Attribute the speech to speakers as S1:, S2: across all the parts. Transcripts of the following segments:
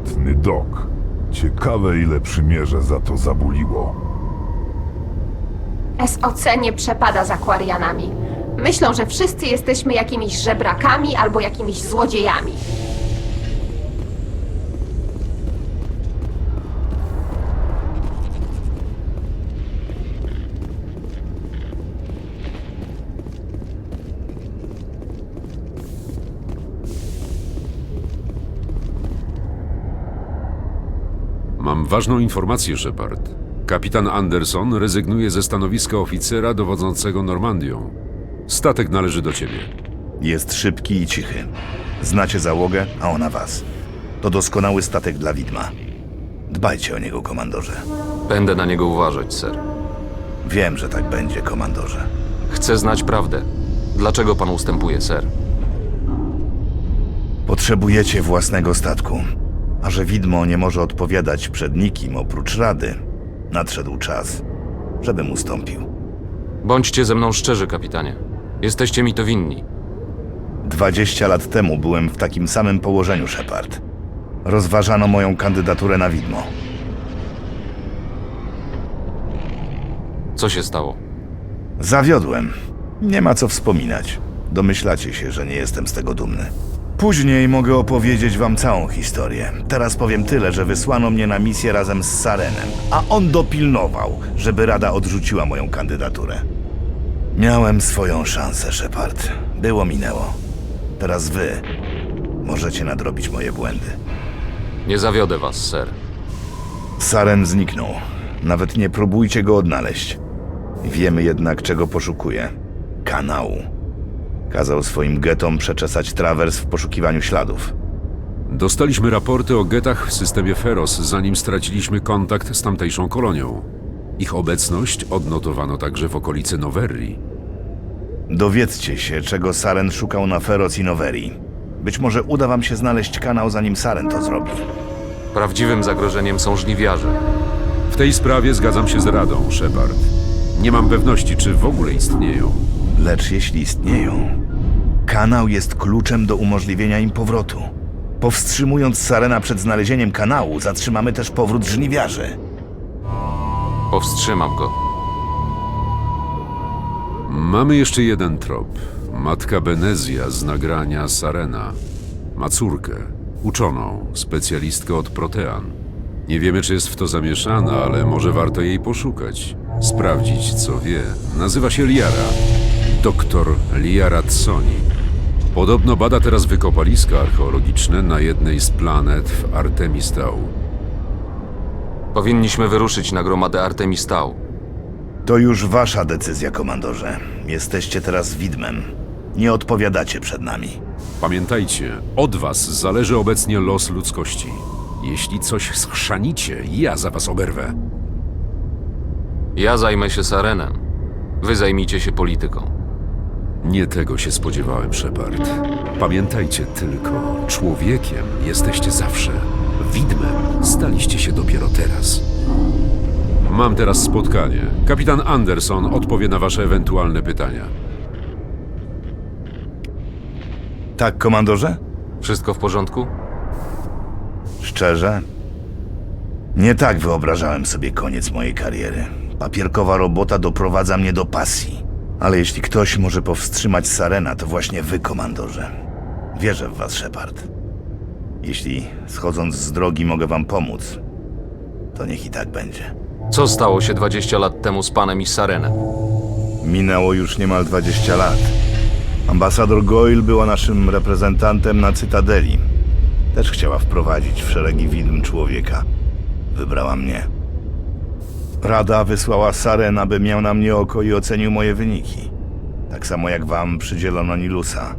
S1: delikatny dok. Ciekawe, ile przymierze za to zabuliło.
S2: SOC nie przepada za Quarianami. Myślą, że wszyscy jesteśmy jakimiś żebrakami albo jakimiś złodziejami.
S3: Mam ważną informację, Shepard. Kapitan Anderson rezygnuje ze stanowiska oficera dowodzącego Normandią. Statek należy do ciebie.
S4: Jest szybki i cichy. Znacie załogę, a ona was. To doskonały statek dla widma. Dbajcie o niego, komandorze.
S5: Będę na niego uważać, ser.
S4: Wiem, że tak będzie, komandorze.
S5: Chcę znać prawdę. Dlaczego pan ustępuje, ser?
S4: Potrzebujecie własnego statku. A że widmo nie może odpowiadać przed nikim oprócz Rady, nadszedł czas, żebym ustąpił.
S5: Bądźcie ze mną szczerzy, kapitanie. Jesteście mi to winni.
S4: 20 lat temu byłem w takim samym położeniu, Shepard. Rozważano moją kandydaturę na widmo.
S5: Co się stało?
S4: Zawiodłem. Nie ma co wspominać. Domyślacie się, że nie jestem z tego dumny. Później mogę opowiedzieć wam całą historię. Teraz powiem tyle, że wysłano mnie na misję razem z Sarenem, a on dopilnował, żeby Rada odrzuciła moją kandydaturę. Miałem swoją szansę, Shepard. Było minęło. Teraz wy możecie nadrobić moje błędy.
S5: Nie zawiodę was, ser.
S4: Saren zniknął. Nawet nie próbujcie go odnaleźć. Wiemy jednak, czego poszukuje. Kanału. Kazał swoim getom przeczesać trawers w poszukiwaniu śladów.
S3: Dostaliśmy raporty o getach w systemie Feros, zanim straciliśmy kontakt z tamtejszą kolonią. Ich obecność odnotowano także w okolicy Noverri.
S4: Dowiedzcie się, czego Saren szukał na Feroz i Noverii. Być może uda wam się znaleźć kanał, zanim Saren to zrobi.
S5: Prawdziwym zagrożeniem są żniwiarze.
S3: W tej sprawie zgadzam się z Radą, Shepard. Nie mam pewności, czy w ogóle istnieją.
S4: Lecz jeśli istnieją, kanał jest kluczem do umożliwienia im powrotu. Powstrzymując Sarena przed znalezieniem kanału, zatrzymamy też powrót żniwiarzy.
S5: Powstrzymam go.
S3: Mamy jeszcze jeden trop. Matka Benezja z nagrania Sarena. Ma córkę, uczoną, specjalistkę od protean. Nie wiemy, czy jest w to zamieszana, ale może warto jej poszukać. Sprawdzić, co wie. Nazywa się Liara. Doktor Liara Tsoni. Podobno bada teraz wykopaliska archeologiczne na jednej z planet w Artemistał.
S5: Powinniśmy wyruszyć na gromadę Artemistał.
S4: To już wasza decyzja, komandorze. Jesteście teraz widmem. Nie odpowiadacie przed nami.
S3: Pamiętajcie, od was zależy obecnie los ludzkości. Jeśli coś schrzanicie, ja za was oberwę.
S5: Ja zajmę się Sarenem. Wy zajmijcie się polityką.
S3: Nie tego się spodziewałem, Shepard. Pamiętajcie tylko, człowiekiem jesteście zawsze. Widmem staliście się dopiero teraz. Mam teraz spotkanie. Kapitan Anderson odpowie na wasze ewentualne pytania.
S4: Tak, komandorze?
S5: Wszystko w porządku?
S4: Szczerze? Nie tak wyobrażałem sobie koniec mojej kariery. Papierkowa robota doprowadza mnie do pasji. Ale jeśli ktoś może powstrzymać Sarena, to właśnie wy, komandorze. Wierzę w was, Shepard. Jeśli schodząc z drogi mogę wam pomóc, to niech i tak będzie.
S5: Co stało się 20 lat temu z panem i Sarenem?
S4: Minęło już niemal 20 lat. Ambasador Goyle była naszym reprezentantem na Cytadeli. Też chciała wprowadzić w szeregi widm człowieka. Wybrała mnie. Rada wysłała Saren, aby miał na mnie oko i ocenił moje wyniki. Tak samo jak wam przydzielono Nilusa.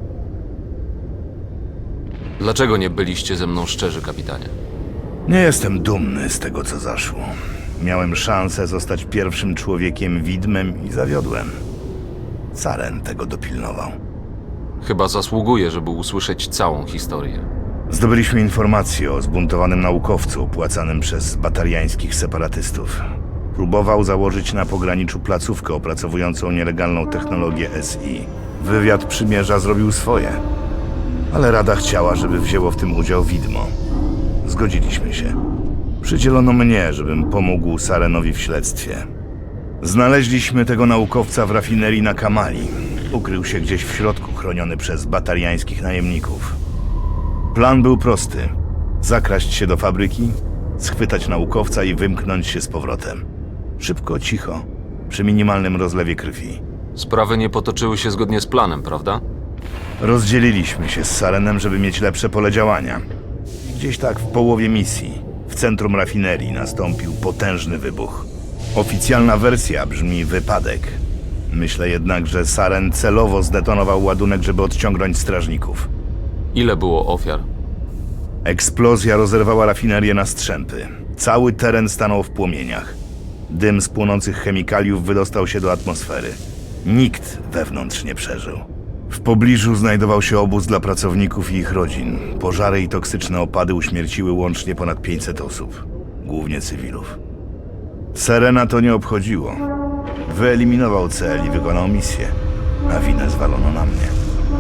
S5: Dlaczego nie byliście ze mną szczerzy, kapitanie?
S4: Nie jestem dumny z tego, co zaszło. Miałem szansę zostać pierwszym człowiekiem widmem i zawiodłem. Saren tego dopilnował.
S5: Chyba zasługuję, żeby usłyszeć całą historię.
S4: Zdobyliśmy informację o zbuntowanym naukowcu opłacanym przez batariańskich separatystów. Próbował założyć na pograniczu placówkę opracowującą nielegalną technologię SI. Wywiad przymierza zrobił swoje, ale Rada chciała, żeby wzięło w tym udział widmo. Zgodziliśmy się. Przydzielono mnie, żebym pomógł Sarenowi w śledztwie. Znaleźliśmy tego naukowca w rafinerii na Kamali. Ukrył się gdzieś w środku, chroniony przez batariańskich najemników. Plan był prosty. Zakraść się do fabryki, schwytać naukowca i wymknąć się z powrotem. Szybko, cicho, przy minimalnym rozlewie krwi.
S5: Sprawy nie potoczyły się zgodnie z planem, prawda?
S4: Rozdzieliliśmy się z Sarenem, żeby mieć lepsze pole działania. Gdzieś tak w połowie misji, w centrum rafinerii, nastąpił potężny wybuch. Oficjalna wersja brzmi wypadek. Myślę jednak, że Saren celowo zdetonował ładunek, żeby odciągnąć strażników.
S5: Ile było ofiar?
S4: Eksplozja rozerwała rafinerię na strzępy. Cały teren stanął w płomieniach. Dym z płonących chemikaliów wydostał się do atmosfery. Nikt wewnątrz nie przeżył. W pobliżu znajdował się obóz dla pracowników i ich rodzin. Pożary i toksyczne opady uśmierciły łącznie ponad 500 osób, głównie cywilów. Serena to nie obchodziło. Wyeliminował cel i wykonał misję, a winę zwalono na mnie.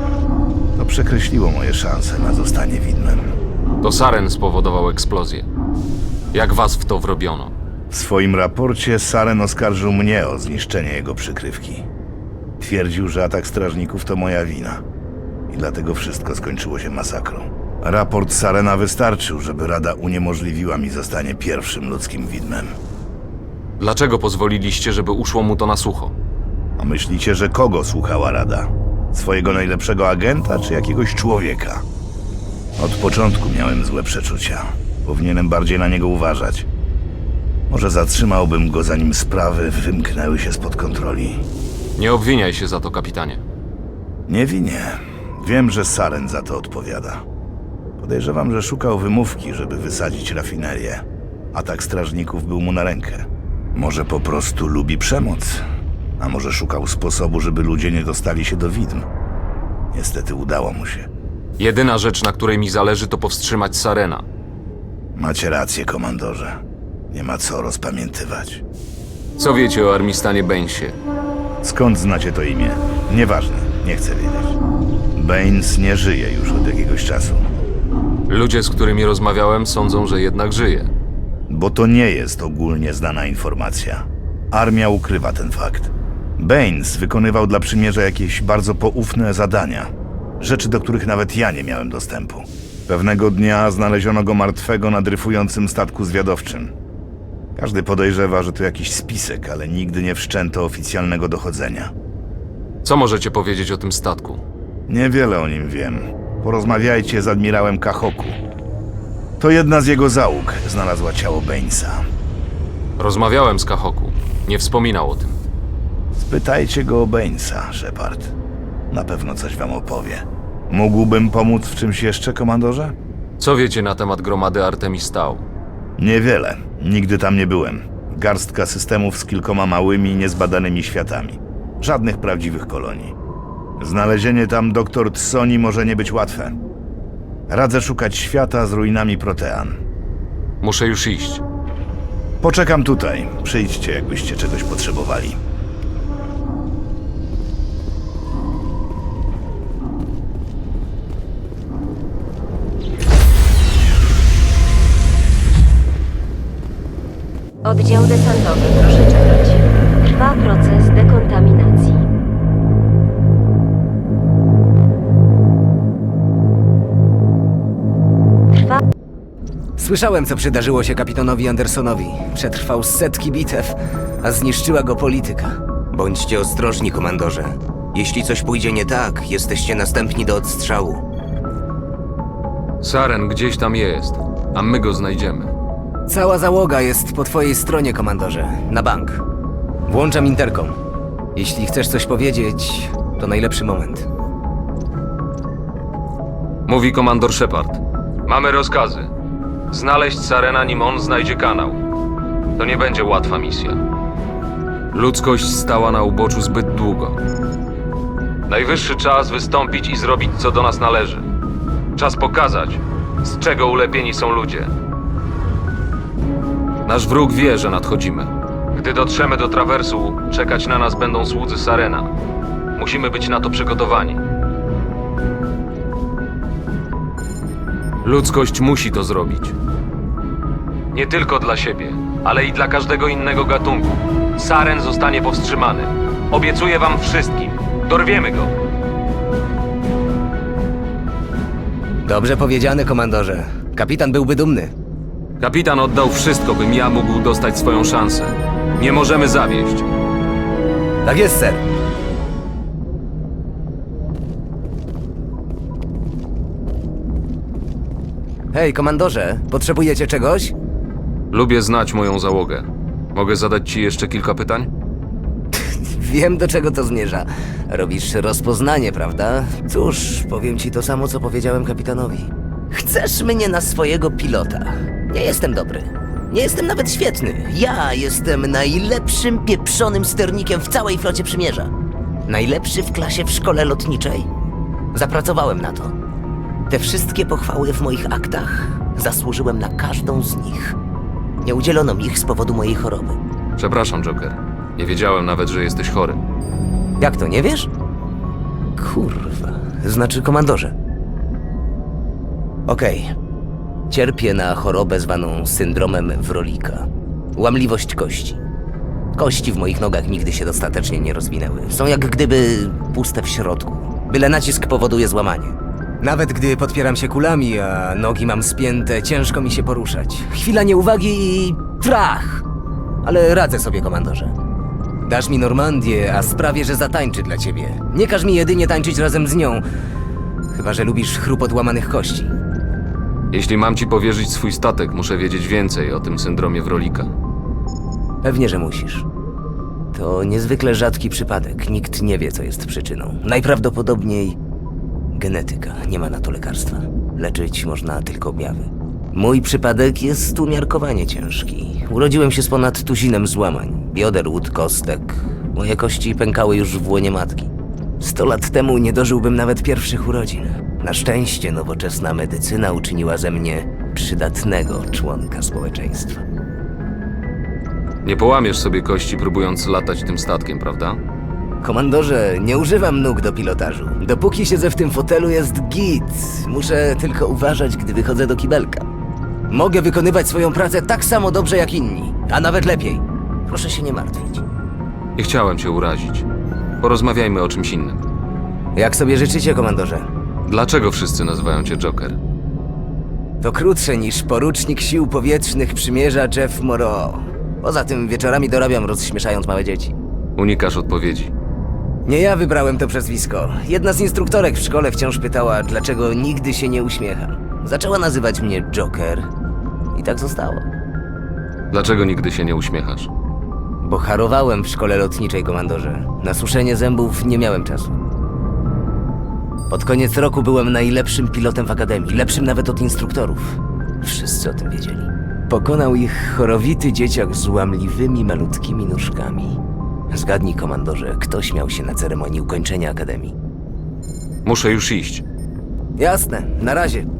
S4: To przekreśliło moje szanse na zostanie widmem.
S5: To Saren spowodował eksplozję. Jak was w to wrobiono?
S4: W swoim raporcie Saren oskarżył mnie o zniszczenie jego przykrywki. Twierdził, że atak strażników to moja wina i dlatego wszystko skończyło się masakrą. Raport Sarena wystarczył, żeby Rada uniemożliwiła mi zostanie pierwszym ludzkim widmem.
S5: Dlaczego pozwoliliście, żeby uszło mu to na sucho?
S4: A myślicie, że kogo słuchała Rada? Swojego najlepszego agenta czy jakiegoś człowieka? Od początku miałem złe przeczucia. Powinienem bardziej na niego uważać. Może zatrzymałbym go, zanim sprawy wymknęły się spod kontroli.
S5: Nie obwiniaj się za to, kapitanie.
S4: Nie winię. Wiem, że Saren za to odpowiada. Podejrzewam, że szukał wymówki, żeby wysadzić rafinerię. Atak strażników był mu na rękę. Może po prostu lubi przemoc. A może szukał sposobu, żeby ludzie nie dostali się do widm. Niestety udało mu się.
S5: Jedyna rzecz, na której mi zależy, to powstrzymać Sarena.
S4: Macie rację, komandorze. Nie ma co rozpamiętywać.
S5: Co wiecie o Armistanie Bainsie?
S4: Skąd znacie to imię? Nieważne, nie chcę wiedzieć. Baines nie żyje już od jakiegoś czasu.
S5: Ludzie, z którymi rozmawiałem, sądzą, że jednak żyje.
S4: Bo to nie jest ogólnie znana informacja. Armia ukrywa ten fakt. Baines wykonywał dla przymierza jakieś bardzo poufne zadania. Rzeczy, do których nawet ja nie miałem dostępu. Pewnego dnia znaleziono go martwego na dryfującym statku zwiadowczym. Każdy podejrzewa, że to jakiś spisek, ale nigdy nie wszczęto oficjalnego dochodzenia.
S5: Co możecie powiedzieć o tym statku?
S4: Niewiele o nim wiem. Porozmawiajcie z admirałem Kahoku. To jedna z jego załóg znalazła ciało Bainesa.
S5: Rozmawiałem z Kahoku. Nie wspominał o tym.
S4: Spytajcie go o Bainesa, Shepard. Na pewno coś wam opowie. Mógłbym pomóc w czymś jeszcze, komandorze?
S5: Co wiecie na temat gromady Artemis Tau?
S4: Niewiele. Nigdy tam nie byłem. Garstka systemów z kilkoma małymi, niezbadanymi światami. Żadnych prawdziwych kolonii. Znalezienie tam doktor Tsoni może nie być łatwe. Radzę szukać świata z ruinami Protean.
S5: Muszę już iść.
S4: Poczekam tutaj. Przyjdźcie, jakbyście czegoś potrzebowali.
S6: Oddział desantowy, proszę czekać. Trwa proces dekontaminacji.
S7: Słyszałem, co przydarzyło się kapitanowi Andersonowi. Przetrwał setki bitew, a zniszczyła go polityka.
S8: Bądźcie ostrożni, komandorze. Jeśli coś pójdzie nie tak, jesteście następni do odstrzału.
S5: Saren gdzieś tam jest, a my go znajdziemy.
S7: Cała załoga jest po twojej stronie, komandorze. Na bank. Włączam interkom. Jeśli chcesz coś powiedzieć, to najlepszy moment.
S5: Mówi komandor Shepard. Mamy rozkazy. Znaleźć Sarena, nim on znajdzie kanał. To nie będzie łatwa misja. Ludzkość stała na uboczu zbyt długo. Najwyższy czas wystąpić i zrobić, co do nas należy. Czas pokazać, z czego ulepieni są ludzie. Nasz wróg wie, że nadchodzimy. Gdy dotrzemy do trawersu, czekać na nas będą słudzy Sarena. Musimy być na to przygotowani. Ludzkość musi to zrobić. Nie tylko dla siebie, ale i dla każdego innego gatunku. Saren zostanie powstrzymany. Obiecuję wam wszystkim. Dorwiemy go.
S7: Dobrze powiedziane, komandorze. Kapitan byłby dumny.
S5: Kapitan oddał wszystko, bym ja mógł dostać swoją szansę. Nie możemy zawieść.
S7: Tak jest, ser. Hej, komandorze, potrzebujecie czegoś?
S5: Lubię znać moją załogę. Mogę zadać ci jeszcze kilka pytań?
S7: Wiem, do czego to zmierza. Robisz rozpoznanie, prawda? Cóż, powiem ci to samo, co powiedziałem kapitanowi.
S8: Chcesz mnie na swojego pilota? Nie jestem dobry. Nie jestem nawet świetny. Ja jestem najlepszym pieprzonym sternikiem w całej flocie przymierza. Najlepszy w klasie w szkole lotniczej. Zapracowałem na to. Te wszystkie pochwały w moich aktach zasłużyłem na każdą z nich. Nie udzielono mi ich z powodu mojej choroby.
S5: Przepraszam, Joker. Nie wiedziałem nawet, że jesteś chory.
S7: Jak to, nie wiesz? Kurwa, znaczy komandorze. Okej. Cierpię na chorobę zwaną syndromem Wrolika. Łamliwość kości. Kości w moich nogach nigdy się dostatecznie nie rozwinęły. Są jak gdyby puste w środku. Byle nacisk powoduje złamanie. Nawet gdy podpieram się kulami, a nogi mam spięte, ciężko mi się poruszać. Chwila nieuwagi i trach! Ale radzę sobie, komandorze. Dasz mi Normandię, a sprawię, że zatańczy dla ciebie. Nie każ mi jedynie tańczyć razem z nią. Chyba że lubisz chrupot łamanych kości.
S5: Jeśli mam ci powierzyć swój statek, muszę wiedzieć więcej o tym syndromie Wrolika.
S7: Pewnie, że musisz. To niezwykle rzadki przypadek. Nikt nie wie, co jest przyczyną. Najprawdopodobniej genetyka. Nie ma na to lekarstwa. Leczyć można tylko objawy. Mój przypadek jest umiarkowanie ciężki. Urodziłem się z ponad tuzinem złamań. Bioder, łód, kostek. Moje kości pękały już w łonie matki. 100 lat temu nie dożyłbym nawet pierwszych urodzin. Na szczęście nowoczesna medycyna uczyniła ze mnie przydatnego członka społeczeństwa.
S5: Nie połamiesz sobie kości, próbując latać tym statkiem, prawda?
S7: Komandorze, nie używam nóg do pilotażu. Dopóki siedzę w tym fotelu jest git. Muszę tylko uważać, gdy wychodzę do kibelka. Mogę wykonywać swoją pracę tak samo dobrze jak inni, a nawet lepiej. Proszę się nie martwić.
S5: Nie chciałem cię urazić. Porozmawiajmy o czymś innym.
S7: Jak sobie życzycie, komandorze?
S5: Dlaczego wszyscy nazywają cię Joker?
S7: To krótsze niż porucznik sił powietrznych przymierza Jeff Moreau. Poza tym wieczorami dorabiam, rozśmieszając małe dzieci.
S5: Unikasz odpowiedzi.
S7: Nie ja wybrałem to przezwisko. Jedna z instruktorek w szkole wciąż pytała, dlaczego nigdy się nie uśmiecham. Zaczęła nazywać mnie Joker i tak zostało.
S5: Dlaczego nigdy się nie uśmiechasz?
S7: Bo harowałem w szkole lotniczej, komandorze. Na suszenie zębów nie miałem czasu. Pod koniec roku byłem najlepszym pilotem w akademii, lepszym nawet od instruktorów. Wszyscy o tym wiedzieli. Pokonał ich chorowity dzieciak z łamliwymi, malutkimi nóżkami. Zgadnij, komandorze, kto śmiał się na ceremonii ukończenia akademii.
S5: Muszę już iść.
S7: Jasne, na razie.